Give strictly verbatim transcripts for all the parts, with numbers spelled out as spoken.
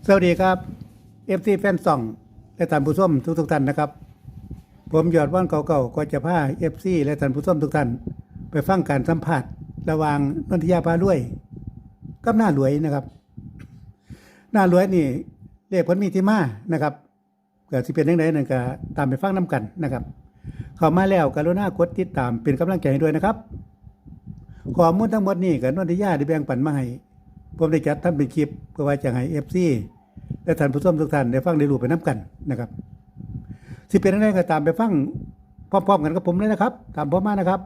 สวัสดีครับเอฟซีแฟนซองและท่านผู้ชมทุกทุกท่านนะครับผมยอดว่านเก่าๆก็จะพาเอฟซีและท่านผู้ชมทุกท่านไปฟังการสัมภาษณ์ระหว่างนนทิยาพารวยกับหน้ารวยนะครับหน้ารวยนี่เรียกผลมีที่มานะครับเกิดสิเป็นยังไงนั่นก็ตามไปฟังน้ำกันนะครับเข้ามาแล้วกรุณากดติดตามเป็นกำลังใจให้ด้วยนะครับข้อมูลทั้งหมดนี้กับนนทิยาได้แบ่งปันมาให้ผมได้จัดทำเป็นคลิปเพื่อไว้จะให้ เอฟ ซี และท่านผู้ชมทุกท่านได้ฟังได้รู้ไปน้ำกันนะครับสิเป็นอะไรก็ตามไปฟังพร้อมๆกันกับผมเลยนะครับตามผมมานะครับ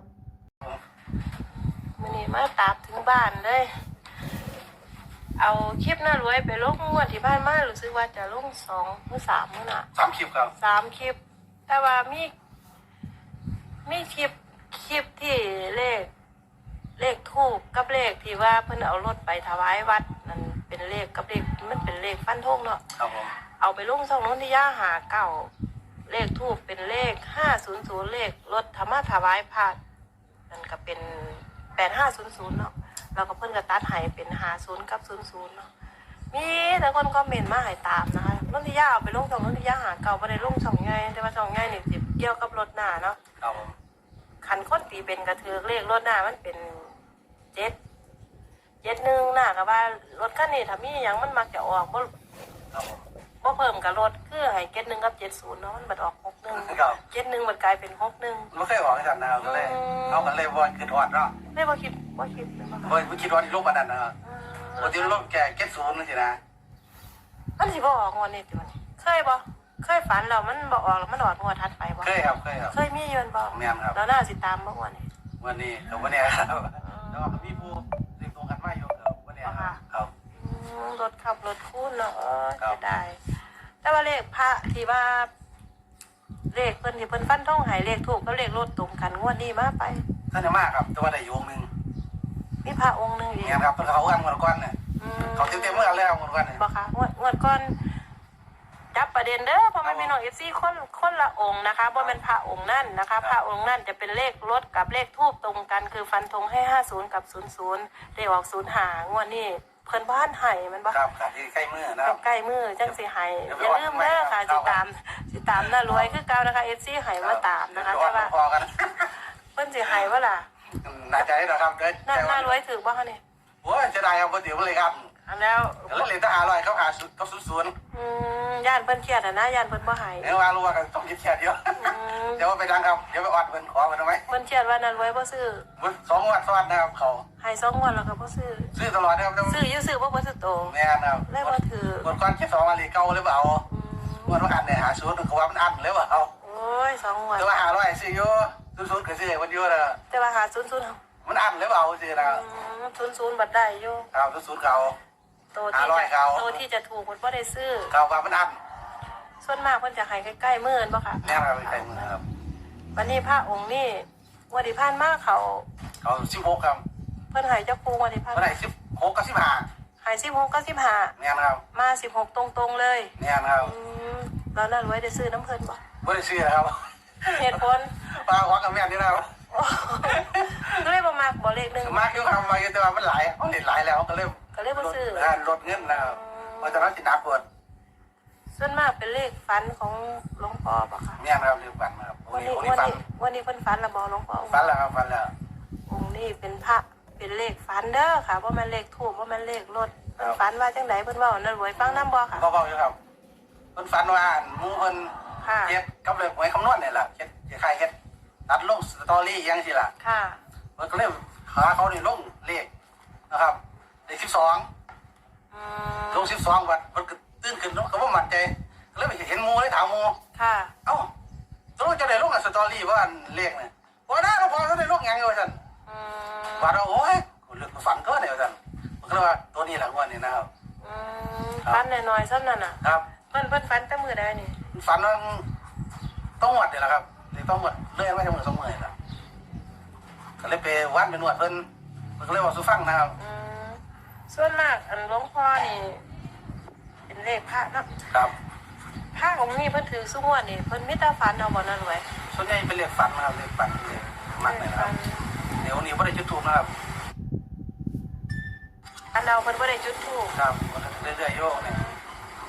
มื้อนี้มาตามถึงบ้านเลยเอาคลิปน่ารวยไปลงงวดที่บ้านมารู้สึกว่าจะลงสองหรือสามมื้อน่ะสามคลิปครับสามคลิปแต่ว่ามีมีคลิปคลิปที่เลขเลขทูปกับเลขที่ว่าเพิ่นเอารถไปถวายวัดนั่นเป็นเลขกับเลขมันเป็นเลขฟันธงเนาะครับผมเอาไปลงช่องโน้นที่ย่าหาเก้าเลขทูปเป็นเลขห้าศูนย์ศูนย์เลขรถธรรมะถวายพระนั่นก็เป็นแปดห้าศูนย์ศูนย์เนาะเราก็เพิ่นก็ตัดให้เป็นห้าศูนย์กับศูนย์ศูนย์เนาะมีแต่คนคอมเมนต์มาให้ตามนะคะโน้นที่ย่าเอาไปลงช่องโน้นที่ย่าหาเก้าบ่ได้ลงช่องใหญ่แต่ว่าช่องใหญ่นี่สิเกี่ยวกับรถหน้าเนาะครับผมคันคนตีเป็นกระเทือกเลขรถหน้ามันเป็นเจ็ดเจ็ดหนึ่งหน้าก็ว่ารถคันนี้ถ้ามีหยังมันมักจะออกบ่ครับผมบ่เพิ่มกับรถคือให้เจ็ดหนึ่งกับเจ็ดศูนย์เนาะมันบัดออกหกหนึ่งเจ็ดหนึ่งมันกลายเป็นหกหนึ่งไม่เคยบอกให้ท่านนะครับเลยเอากันเลยวันคือทอดเนาะไม่บ่คิดบ่คิดเลยบ่บ่บ่คิดว่าที่โลกบันนั้นนะครับปกติโลกแก่เก็ตศูนย์นั่นสินะมันสิบ่ออกงวดนี้ติวันนี้เคยบ่เคยฝันแล้วมันบ่ออกแล้วมันออกงวดถัดไปบ่เคยครับเคยครับเคยมียืนบ่แม่นครับแล้วน่าสิตามบ่วันนี้วันนี้กับวันนี้ครับแล้วก็มีผู้เรียกตรงกันมาอยู่ครับวันนี้ครับรถขับรถคูนเนาะจะได้แต่ว่าเลขพระที่ว่าเลขเพิ่นที่เพิ่นฟันท่องหายเลขถูกก็เลขรถตรงกันงวดนี้มาไปท่านจะมากครับแต่ว่าได้อยู่องค์นึงมีพระองค์นึงอีกเนี่ยครับเพิ่นเขากันงวดก่อนเนี่ยเขาเต็มๆเมื่อแล้วงวดก่อนเนี่ยบ่ค่ะงวดงวดก่อนจับประเด็นเด้อเพราะมันมีน้อง เอฟ ซี คนคนละองค์นะคะบ่แม่นพระองค์นั่นนะคะพระองค์นั่นจะเป็นเลขรถกับเลขทูปตรงกันคือฟันธงให้ห้าสิบกับศูนย์ ศูนย์เลขออกศูนย์ห้างวดนี้เพิ่นบ้านไห้มันบ่ครับครับที่ใกล้มือนะใกล้มือจังสิไห้อย่าลืมเด้อค่ะสิตามสิตามน่ารวยคือเก่านะคะ เอฟ ซี ไห้มาตามนะคะแต่ว่าเพิ่นสิไห้ว่าล่ะน่าใจนะครับเด้อน่ารวยถือบ่คะนี่โอ้ยจะได้เอาบ่ถือเลยครับอันแล้วแล้วเหรียญทหารลอยเขาหาสุดเขาสุดศูนย์อืมย่านเพิ่นเครียดอ่ะนะย่านเพิ่นบ่หายเดี๋ยวว่ารู้ว่ากันต้องยึดเครียดเยอะเดี๋ยวไปดังครับเดี๋ยวไปออดเพิ่นขอเพิ่นทำไมเพิ่นเครียดว่านั้นไว้บ่ซื้อสองวันซ้อนนะครับเขาให้สองวันแล้วก็บ่ซื้อซื้อตลอดนะครับซื้ออยู่ซื้อบ่บ่ซื้อโตแม่นครับเลยบ่ถือคนก่อนแค่สองวันเลยเก่าหรือเปล่าวันว่าอันเนี่ยหาศูนย์เขาว่ามันอันหรือเปล่าโอ้ยสองวันแต่ว่าหาร้อยซื้ออยู่ศูนย์ก็ซื้อวันเดียวนะแต่ว่าหาศูนย์ศูนย์มันอันหรือเปล่าซื้อนะศูนย์ศูนย์บัดได้อยู่ครับศูนย์เขาตัวที่จะตัวที่จะถูกมันบ่ได้ซื้อเขาว่ามันอันส่วนมากเพิ่นจะให้ใกล้ๆมื้อบ่ค่ะแม่ครับใกล้มื้อครับวันนี้พระองค์นี่วันที่ผ่านมาเขาเขาสิบหกครับเพิ่นให้เจ้าปู่วันที่ผ่านเพิ่นให้สิบหกกับสิบห้าให้สิบหกกับสิบห้าแม่ครับมาสิบหกตรงๆเลยแม่ครับอืมแล้วนั่นไว้ได้ซื้อน้ำเพิ่นบ่บ่ได้ซื้อครับเหตุผลปลาหวังกับแม่นี่นะครับก็เลยบ่มักบ่เลขนึงมักอยู่ครับมาแต่ว่ามันหลายเอาเล่นหลายแล้วก็เลยก็เลยบ่ซื้อลดเงินนะครับเพราะฉะนั้นสินับเปิดส่วนมากเป็นเลขฝันของหลวงพ่อป่ะคะเนี่ยนะครับเลขฝันครับวันนี้วันนี้วันนี้เพิ่นฝันแล้วบอกหลวงพ่อฝันแล้วครับฝันแล้วองค์นี้เป็นพระเป็นเลขฝันเด้อค่ะว่ามันเลขถูกว่ามันเลขรถเพิ่นฝันว่าจังไดเพิ่นเว้านั่นรวยฟังนำบ่ค่ะบ่เว้าอยู่ครับเพิ่นฝันว่าหมู่เพิ่นเฮ็ดกับเลขหวยคำนวณนี่แหละเฮ็ดคล้ายๆเฮ็ดตัดลงสตอรี่จังซี่ล่ะค่ะเพิ่นก็เลยหาเขานี่ลงเลขนะครับเลขสิบสองอืมลงสิบสองบัดเพิ่นก็ตื่นขึ้นก็บ่มั่นใจก็เลยไปเห็นหมู่เลยถามหมู่ค่ะเอ้าตัวจะได้ลงสตอรี่ว่าเลขนี่บ่ได้หรอกพอได้ลงหยังอยู่ว่าซั่นอืมว่าโอ้ยเรื่องฝันก็ได้ว่าซั่นเพิ่นก็ว่าตัวนี้ล่ะงวดนี้นะครับอืมฝันน้อยๆซ้ำนั่นน่ะครับเพิ่นเพิ่นฝันแต่มื้อใดนี่ฝันว่าต้องวัดนี่แหละครับเลยต้องวัดเลื่อยไว้ทั้งมื้อสองมื้อนี่ล่ะก็เลยไปวัดไปนวดเพิ่นเพิ่นก็เลยว่าสู่ฟังนะครับอืมส่วนมากอันหลวงพ่อนี่เป็นเลขพระเนาะครับพระองค์นี้เพิ่นถือสุงวดนี่เพิ่นมีแต่ฝันเอาบ่นั่นไว้ส่วนใหญ่เป็นเลขฝันนะครับเลขฝันเลขมักนะครับเดี๋ยวนี้บ่ได้จุดธูปนะครับอันเราเพิ่นบ่ได้จุดธูปครับเรื่อยๆโยกเนี่ย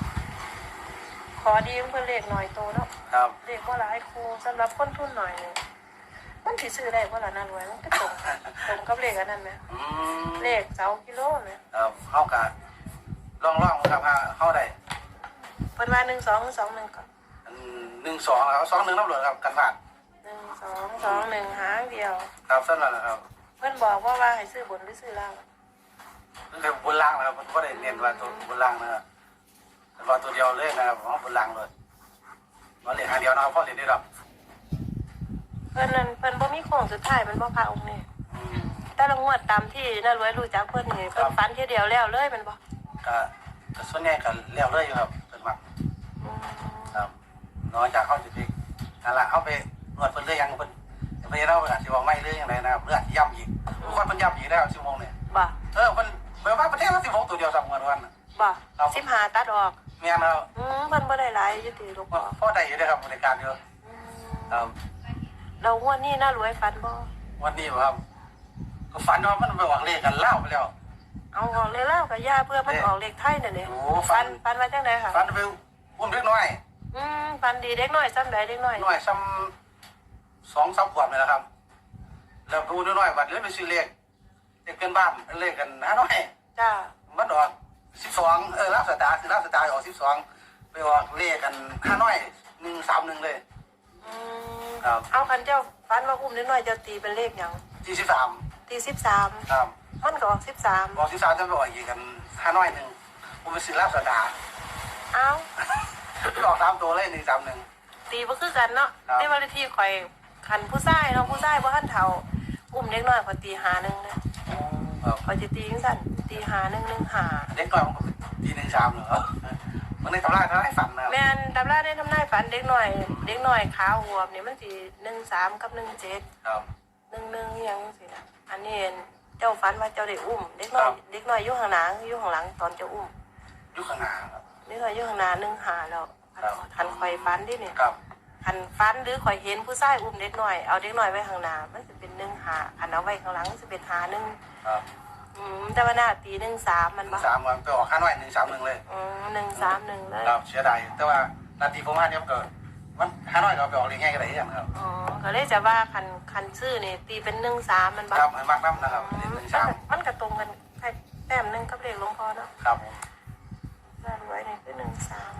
ขอดีเพื่อเลขหน่อยโตเนาะครับเลขว่าหลายครูสำหรับคนทุนหน่อยเนี่ยมันสิซื้อได้ว่าละน่ารวยมันก็ตรงตรงกับเลขอันนั้นไหมอืมเลขเสากิโลไหมครับเฮากะลองลองครับว่าเฮาได้เพิ่นว่าหนึ่งสองสองหนึ่งก่อนหนึ่งสองครับสองหนึ่งน้ำเหลืองครับกันผ่านหนึ่งสองสองหนึ่งหางเดียวครับสั้นแล้วนะครับเพื่อนบอกว่าว่าให้ซื้อบนหรือซื้อล่างนี่คือบนล่างนะครับมันก็ได้เน้นว่าตัวบนล่างนะครับแต่ว่าตัวเดียวเลยนะครับของบนล่างเลยมาเรียนหาเดียวนะครับพ่อเรียนได้หรอกเพื่อนนั้นเพื่อนบ่มีโค้งสุดท้ายมันบ่พาองค์นี่อืมแต่ละงวดตามที่น่ารวยรู้จักเพื่อนนี่เพื่อนฟันทีเดียวแล้วเลยมันบ่ก็ก็ส่วนใหญ่ก็เลี้ยวเลยอยู่ครับเป็นมักอืมครับน้อยจากเข้าจุดนี้นั่นแหละเข้าไปนวดเพิ่นเรื่อยยังเพิ่นเพิ่นเราอาจจะบอกไม่เรื่อยยังไงนะครับเรื่องย่ำอีกทุกคนเพิ่นย่ำอีกแล้วชั่วโมงเนี่ยบ่เออเพิ่นเมื่อวานประเทศเราสิบหกตัวเดียวสามวันวันบ่สิบห้าตัดออกเมียนเราอืมเพิ่นบ่ได้หลายอยู่ติลูกบ่พ่อได้อยู่ด้วยครับบริการเยอะอืมครับเรางวดนี้น่ารวยฟันบ่วันนี้ครับก็ฝันว่ามันไปหวังเลขกันเล่าไปแล้วเอาออกเลยแล้วกับย่าเพื่อมันออกเลขไทยนั่นเองโอ้ฟัฝันนฟันมาจังไดค่ะฝันไปอุ้มเล็กน้อยอืมฟันดีเด็กน้อยซ้ำใดเด็กน้อยน้อยซ้ำสองสามขวบเลยนะครับ แล้วดูน้อยๆบัดเลยไปซื้อเลขเลขเพื่อนบ้านเลขกันห้าน้อยจ้ามันออกสิบสองเออรับสตาร์คือรับสตาร์ออกสิบสองไปออกเลขกันห้าน้อยหนึ่งสามหนึ่งเลยอืมครับเอาคันเจ้าฟันมาอุ้มเด็กน้อยเจ้าตีเป็นเลขหยังที่สิบสามตีสิบสามครับมันก็ออกสิบสามออกสิบสามจะไปออกอีกกันห้าน้อยหนึ่งผมไปซื้อรับสตาร์เอาออกสามตัวเลยหนึ่งสามหนึ่งตีบ่คือกันเนาะครับในวันที่ข่อยคันผู้ชายเนาะผู้ชายบ่ทันเฒ่าอุ้มเด็กน้อยข่อยตีหาหนึ่งนะครับ ข่อยจะตีจังซั่นตีหาหนึ่งหนึ่งหาเด็กน้อยมันก็ทีหนึ่งสามเหรอมันในตำราทำให้ฝันนะครับแม่นตำราได้ทำนายฝันเด็กน้อย เด็กน้อยขาวหัวบนี่มันสิหนึ่งสามกับหนึ่งเจ็ดครับหนึ่งหนึ่งยังสินะอันนี้เจ้าฝันว่าเจ้าได้อุ้มเด็กน้อยครับเด็กน้อยอยู่ข้างหลังอยู่ข้างหลังตอนเจ้าอุ้มยุคขางหนาครับเด็กน้อยอยู่ข้างหน้าหนึ่งหาแล้วครับคันข่อยฝันดิเนี่ยครับคันฝันหรือข่อยเห็นผู้ชายอุ้มเด็กน้อยเอาเด็กน้อยไว้ข้างหน้ามันจะเป็นหนึ่งหาคันเอาไว้ข้างหลังมันจะเป็นหาหนึ่งครับอืมแต่ว่าหน้าตีหนึ่งสามมันหนึ่บ่งสามวันไปออกห้าน้อยหนึ่งสามหนึ่งเลยอืมหนึ่งสามหนึ่งเลยครับเสียดายแต่ว่านาทีผมห้าเนี่ยก็มันห้าน้อยก็ไปออกเรียนง่ายกันได้ยังครับอ๋อก็เลยจะว่าคันคันชื่อนี่ตีเป็นหนึ่งสามมันบ่ครับมันมากน้ำนะครับอืหมนึ่งมันสามก็มันก็ตรงกันแค่แต้มหนึ่งกับเลขหลวงพ่อเนาะครับผมน่ารวยนี่คือหนึ่งสาม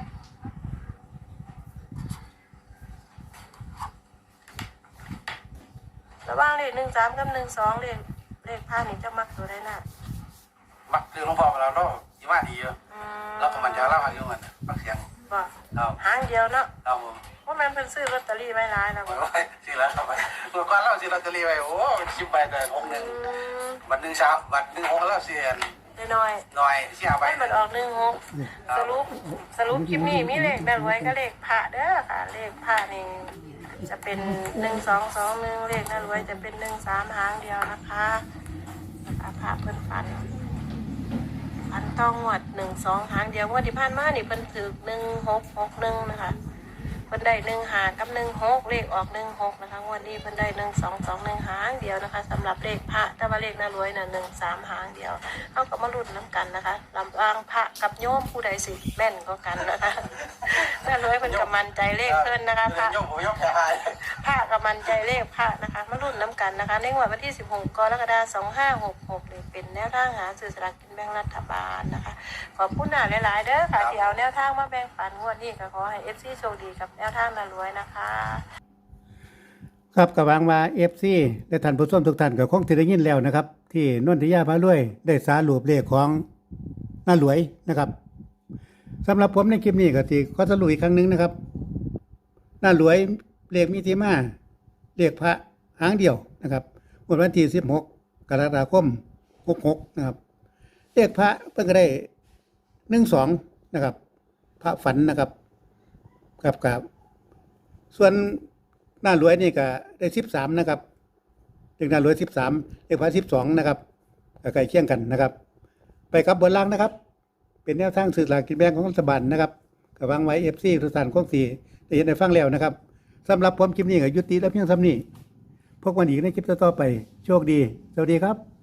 ระหว่างเลขหนึ่งสามกับหนึ่งสองเลขเลขพานี่จะมักตัวได้น่ะมักคือหลวงพ่อเราเรายี่ว่าดีเยอะอืมเราก็มันจะเล่าให้ดูมันมักเสียงบ่ครับหางเดียวเนาะครับผมว่ามันเป็นซื้อลอตเตอรี่ไว้ร้ายแล้วไว้บ่ไว้สิแล้วครับไปเมื่อก่อนเราสิลอตเตอรี่ไว้โอ้ชิบใบแต่หกหนึ่งอืมบัตรหนึ่งสามบัตรหนึ่งหกแล้วเสียนได้น้อยหน่อยเสียไปให้มันออกหนึ่งหกสรุปสรุปคลิปนี้มีเลขน่ารวยก็เลขพระเด้อค่ะ เลขพระนี่จะเป็นหนึ่งสองสองหนึ่งเลขน่ารวยจะเป็นหนึ่งสามหางเดียวนะคะนะคะพระเพิ่นฝัน พันต้องหวดหนึ่งสองหางเดียวงวดที่ผ่านมานี่เพิ่นถือหนึ่งหกหกหนึ่งนะคะเพิ่นได้หนึ่งหากับหนึ่งหกเลขออกหนึ่งหกนะคะงวดนี้เพิ่นได้หนึ่งสองสองหนึ่งหางเดียวนะคะสำหรับเลขพระแต่ว่าเลขน่ารวยน่ะหนึ่งสามหางเดียวเขาก็มาลุ้นน้ำกันนะคะลำวางพระกับโยมผู้ใดสิแม่นก็กันนะคะน่ารวยเพิ่นกำมันใจเลขเพิ่นนะคะพระโยมผมโยมแค่หายพระกำมันใจเลขพระนะคะมารุ่นน้ำกันนะคะในงวดวันที่สิบหกกรกฎาคมสองห้าหกหกเลยเป็นแนวทางหาสื่อสลากกินแบ่งรัฐบาลนะคะขอบคุณหนาหลายๆเด้อค่ะที่เอาแนวทางมาแบ่งปันงวดนี้ก็ขอให้เอฟซีโชคดีกับแนวทางน่ารวยนะคะครับกับวางว่าเอฟซีและท่านผู้ชมทุกท่านก็คงที่ได้ยินแล้วนะครับ ที่นนทิยาพารวยได้สารูปเลขของน้ารวยนะครับสำหรับผมในคลิปนี้ก็ที่ขอสรุปอีกครั้งหนึงนะครับน้ารวยเลขมีที่มาเลขพระหางเดียวนะครับงวดวันที่สิบหกกรกฎาคมหกหกนะครับเลขพระเพิ่งก็ได้หนึ่งสองนะครับ พระฝันนะครับกับกับส่วนหน้ารวยนี่ก็ได้สิบสามนะครับเลขหน้ารวยสิบสามเลขพระสิบสองนะครับก็ใกล้เคียงกันนะครับ ไปกับบนล่างนะครับ เป็นแนวทางสื่อสลารกินแบ่งของรัฐบาลนะครับกับวางไว้เอฟซีทุกท่านคงสีได้เห็นได้ฟังแล้วนะครับสำหรับผมคลิปนี้ก็ยุติแล้วเพียงเท่านี้พบกันอีกในคลิปต่อๆไปโชคดีสวัสดีครับ